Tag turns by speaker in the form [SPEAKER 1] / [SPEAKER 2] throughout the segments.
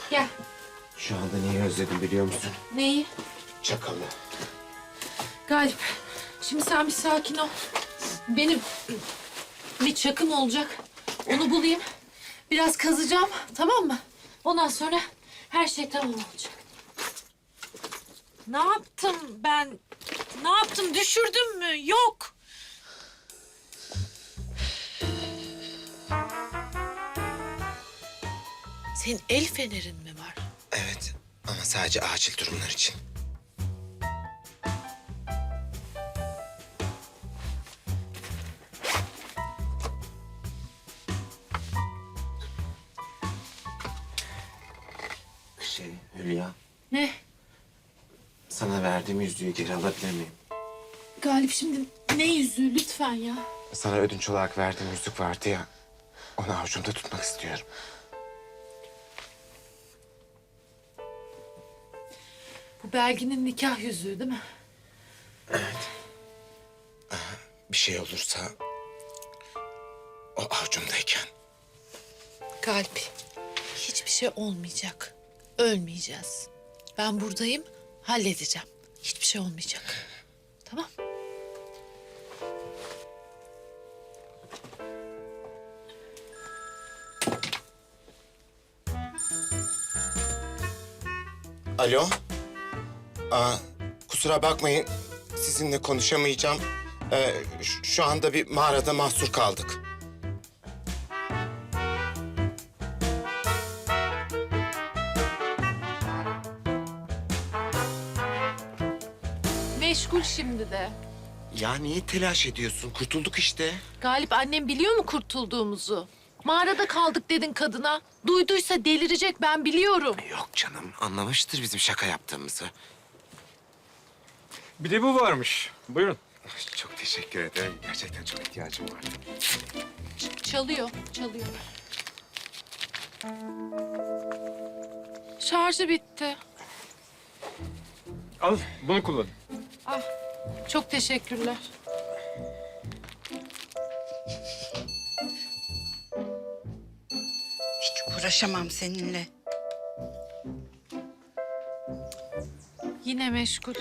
[SPEAKER 1] Gel.
[SPEAKER 2] Şu anda neyi özledim biliyor musun?
[SPEAKER 1] Neyi?
[SPEAKER 2] Çakalı.
[SPEAKER 1] Galip, şimdi sen bir sakin ol. Benim bir çakım olacak. Onu bulayım. Biraz kazacağım, tamam mı? Ondan sonra her şey tamam olacak. Ne yaptım ben? Ne yaptım? Düşürdüm mü? Yok. Senin el fenerin mi var?
[SPEAKER 2] Evet ama sadece acil durumlar için. Hülya,
[SPEAKER 1] Ne?
[SPEAKER 2] sana verdiğim yüzüğü geri alabilir miyim?
[SPEAKER 1] Galip şimdi ne yüzüğü lütfen ya.
[SPEAKER 2] Sana ödünç olarak verdiğim yüzük vardı ya, onu avucumda tutmak istiyorum.
[SPEAKER 1] Bu Belgin'in nikah yüzüğü değil mi?
[SPEAKER 2] Bir şey olursa o avucumdayken.
[SPEAKER 1] Galip, hiçbir şey olmayacak. Ölmeyeceğiz. Ben buradayım, halledeceğim. Hiçbir şey olmayacak. Tamam.
[SPEAKER 2] Alo. Kusura bakmayın, sizinle konuşamayacağım. Şu anda bir mağarada mahsur kaldık.
[SPEAKER 1] Meşgul şimdi de.
[SPEAKER 2] Ya niye telaş ediyorsun? Kurtulduk işte.
[SPEAKER 1] Galip, annem biliyor mu kurtulduğumuzu? Mağarada kaldık dedin kadına. Duyduysa delirecek, ben biliyorum.
[SPEAKER 2] Yok canım, anlamıştır bizim şaka yaptığımızı.
[SPEAKER 3] Bir de bu varmış. Buyurun.
[SPEAKER 2] Çok teşekkür ederim. Gerçekten çok ihtiyacım vardı.
[SPEAKER 1] Çalıyor, çalıyor. Şarjı bitti.
[SPEAKER 3] Al bunu kullanın.
[SPEAKER 1] Ah, çok teşekkürler.
[SPEAKER 4] Hiç uğraşamam seninle.
[SPEAKER 1] Yine meşgul.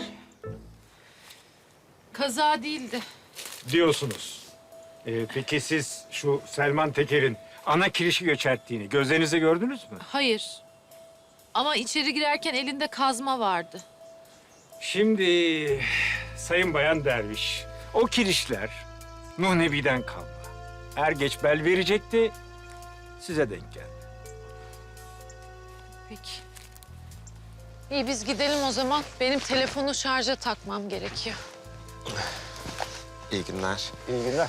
[SPEAKER 1] Kaza değildi.
[SPEAKER 3] Diyorsunuz. Peki siz şu Selman Teker'in ana kirişi göçerttiğini gözlerinizle gördünüz mü?
[SPEAKER 1] Hayır. Ama içeri girerken elinde kazma vardı.
[SPEAKER 3] Şimdi Sayın Bayan Derviş, o kirişler Nuh Nebi'den kalma. Er geç bel verecekti, size denk geldi.
[SPEAKER 1] Peki. İyi, biz gidelim o zaman. Benim telefonu şarja takmam gerekiyor.
[SPEAKER 2] İyi günler.
[SPEAKER 3] İyi günler.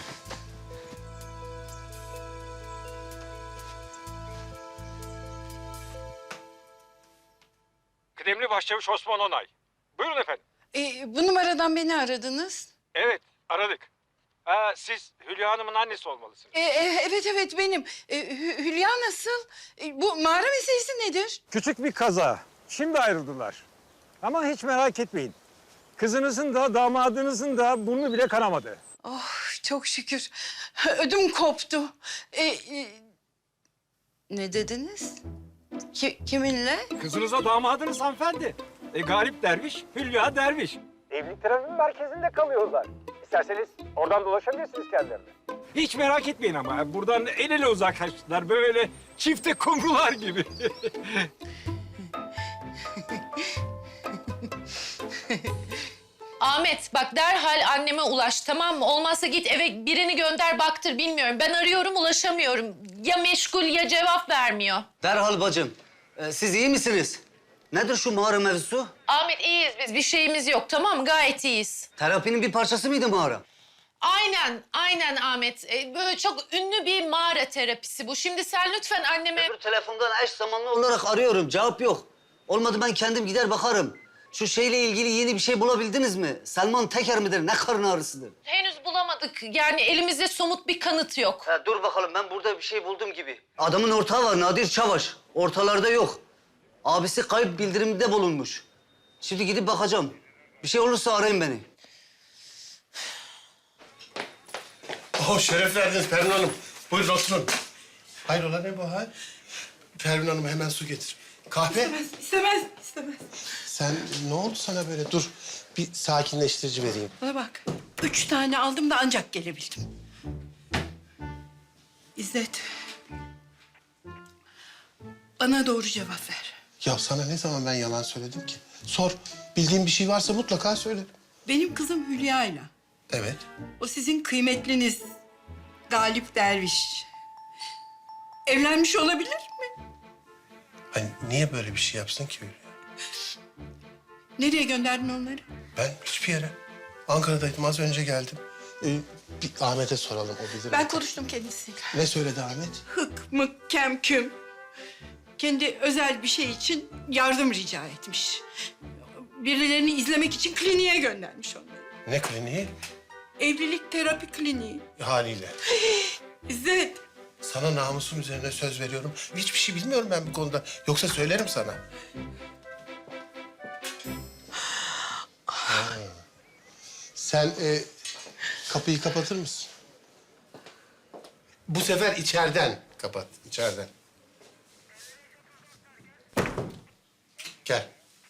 [SPEAKER 3] Kıdemli Başçavuş Osman Onay. Buyurun efendim.
[SPEAKER 4] Bu numaradan beni aradınız.
[SPEAKER 3] Evet, aradık. Siz Hülya Hanım'ın annesi olmalısınız.
[SPEAKER 4] Evet benim. Hülya nasıl? Bu mağara meselesi nedir?
[SPEAKER 3] Küçük bir kaza. Şimdi ayrıldılar. Ama hiç merak etmeyin. Kızınızın da damadınızın da burnu bile kanamadı.
[SPEAKER 4] Oh çok şükür. Ödüm koptu. Ne dediniz? Kiminle?
[SPEAKER 3] Kızınıza damadınız hanımefendi. Galip Derviş, Hülya Derviş. Evlilik terapinin merkezinde kalıyorlar. İsterseniz oradan dolaşabilirsiniz kendilerine. Hiç merak etmeyin ama buradan el ele uzaklaştılar. Böyle çifte kumrular gibi.
[SPEAKER 1] Ahmet, bak derhal anneme ulaş, tamam mı? Olmazsa git eve birini gönder baktır, bilmiyorum. Ben arıyorum, ulaşamıyorum. Ya meşgul ya cevap vermiyor.
[SPEAKER 5] Derhal bacım. Siz iyi misiniz? Nedir şu mağara mevzusu?
[SPEAKER 1] Ahmet, iyiyiz biz. Bir şeyimiz yok, tamam mı? Gayet iyiyiz.
[SPEAKER 5] Terapinin bir parçası mıydı mağara?
[SPEAKER 1] Aynen Ahmet. Böyle çok ünlü bir mağara terapisi bu. Şimdi sen lütfen anneme...
[SPEAKER 5] Öbür telefondan eş zamanlı olarak arıyorum. Cevap yok. Olmadı ben kendim gider bakarım. Şu şeyle ilgili yeni bir şey bulabildiniz mi? Selman Teker midir? Ne karın ağrısıdır?
[SPEAKER 1] Henüz bulamadık. Yani elimizde somut bir kanıt yok.
[SPEAKER 5] Dur bakalım ben burada bir şey buldum gibi. Adamın ortağı var Nadir Çavaş. Ortalarda yok. Abisi kayıp bildirimde bulunmuş. Şimdi gidip bakacağım. Bir şey olursa arayın beni.
[SPEAKER 6] Şeref verdiniz Pervin Hanım. Buyurun oturun. Hayrola ne bu hal? Pervin Hanım hemen su getir.
[SPEAKER 2] Kahve?
[SPEAKER 4] İstemez.
[SPEAKER 6] Sen ne oldu sana böyle? Dur bir sakinleştirici vereyim.
[SPEAKER 4] Bana bak, 3 tane aldım da ancak gelebildim. İzzet, bana doğru cevap ver.
[SPEAKER 6] Ya sana ne zaman ben yalan söyledim ki? Sor. Bildiğin bir şey varsa mutlaka söyle.
[SPEAKER 4] Benim kızım Hülya'yla,
[SPEAKER 6] Evet.
[SPEAKER 4] o sizin kıymetliniz Galip Derviş, evlenmiş olabilir mi?
[SPEAKER 6] Hani niye böyle bir şey yapsın ki Hülya?
[SPEAKER 4] Nereye gönderdin onları?
[SPEAKER 6] Ben hiçbir yere. Ankara'daydım, az önce geldim. Bir Ahmet'e soralım, o bilir.
[SPEAKER 4] Ben konuştum kendisiyle.
[SPEAKER 6] Ne söyledi Ahmet?
[SPEAKER 4] Hık mık kem küm. Kendi özel bir şey için yardım rica etmiş. Birilerini izlemek için kliniğe göndermiş onları.
[SPEAKER 6] Ne kliniği?
[SPEAKER 4] Evlilik terapi kliniği.
[SPEAKER 6] Haliyle.
[SPEAKER 4] İzzet,
[SPEAKER 6] Sana namusum üzerine söz veriyorum. Hiçbir şey bilmiyorum ben bu konuda. Yoksa söylerim sana. Ha. Sen kapıyı kapatır mısın? Bu sefer içeriden kapat, içeriden. Gel.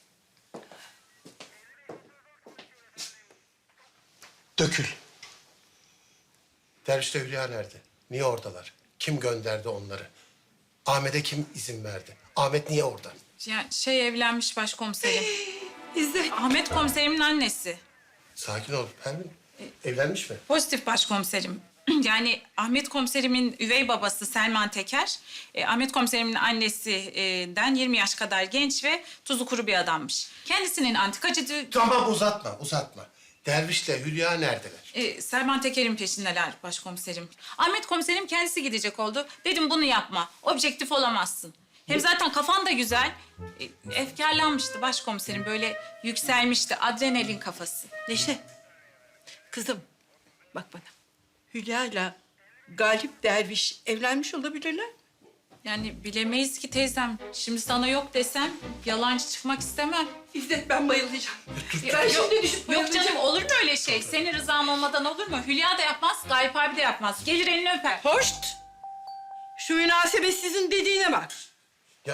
[SPEAKER 6] Dökül. Derviş'le Hülya nerede? Niye oradalar? Kim gönderdi onları? Ahmet'e kim izin verdi? Ahmet niye orada?
[SPEAKER 7] Ya evlenmiş başkomiserim.
[SPEAKER 4] İzzet.
[SPEAKER 7] Ahmet komiserimin annesi.
[SPEAKER 6] Sakin ol Pervin. Evlenmiş mi?
[SPEAKER 7] Pozitif başkomiserim. Yani Ahmet komiserimin üvey babası Selman Teker, Ahmet komiserimin annesinden 20 yaş kadar genç ve tuzu kuru bir adammış. Kendisinin antikacı...
[SPEAKER 6] Tamam uzatma. Derviş'le Hülya neredeler?
[SPEAKER 7] Selman Teker'in peşindeler başkomiserim. Ahmet komiserim kendisi gidecek oldu. Dedim bunu yapma, objektif olamazsın. Hem zaten kafan da güzel. Efkarlanmıştı başkomiserim, böyle yükselmişti, adrenalin kafası.
[SPEAKER 4] Neşe, kızım bak bana. Hülya'yla Galip Derviş evlenmiş olabilirler.
[SPEAKER 7] Yani bilemeyiz ki teyzem. Şimdi sana yok desem yalancı çıkmak istemem.
[SPEAKER 4] İzzet, ben bayılacağım. Ben
[SPEAKER 7] Yok,
[SPEAKER 4] şimdi düşüp
[SPEAKER 7] yok
[SPEAKER 4] bayılacağım.
[SPEAKER 7] canım, olur mu öyle şey? Senin rızan olmadan olur mu? Hülya da yapmaz, Galip abi de yapmaz. Gelir elini öper.
[SPEAKER 4] Hoşt! Şu münasebetsizin dediğine bak.
[SPEAKER 6] Ya...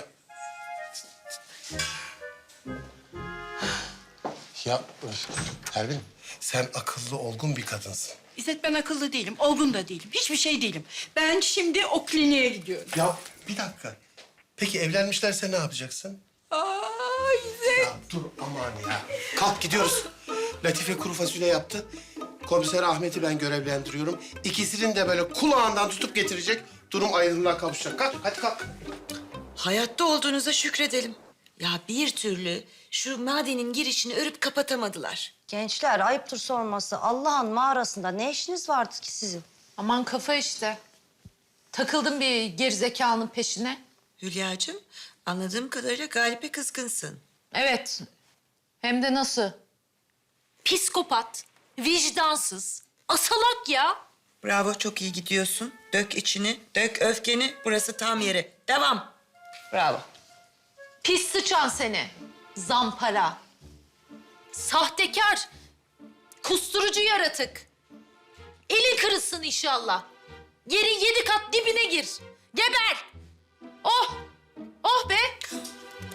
[SPEAKER 6] Ya Pervin, sen akıllı, olgun bir kadınsın.
[SPEAKER 4] İzzet, ben akıllı değilim, olgun da değilim. Hiçbir şey değilim. Ben şimdi o kliniğe gidiyorum.
[SPEAKER 6] Ya bir dakika. Peki evlenmişlerse ne yapacaksın?
[SPEAKER 4] Aa, İzzet!
[SPEAKER 6] Ya dur aman ya. Kalk gidiyoruz. Latife kuru fasulye yaptı. Komiser Ahmet'i ben görevlendiriyorum. İkisinin de böyle kulağından tutup getirecek. Durum ayrılığa kavuşacak. Kalk, hadi kalk.
[SPEAKER 8] Hayatta olduğunuza şükredelim. Ya bir türlü şu madenin girişini örüp kapatamadılar.
[SPEAKER 9] Gençler ayıptır sorması. Allah'ın mağarasında ne işiniz vardı ki sizin?
[SPEAKER 1] Aman kafa işte. Takıldım bir gerizekalının peşine.
[SPEAKER 8] Hülyacığım, anladığım kadarıyla Galip'e kızgınsın.
[SPEAKER 1] Evet. Hem de nasıl? Psikopat, vicdansız, asalak ya.
[SPEAKER 8] Bravo, çok iyi gidiyorsun. Dök içini, dök öfkeni. Burası tam yeri. Devam.
[SPEAKER 1] Bravo. Pis sıçan seni. Zampara. Sahtekar. Kusturucu yaratık. Elin kırılsın inşallah. Yerin 7 kat dibine gir. Geber. Oh. Oh be.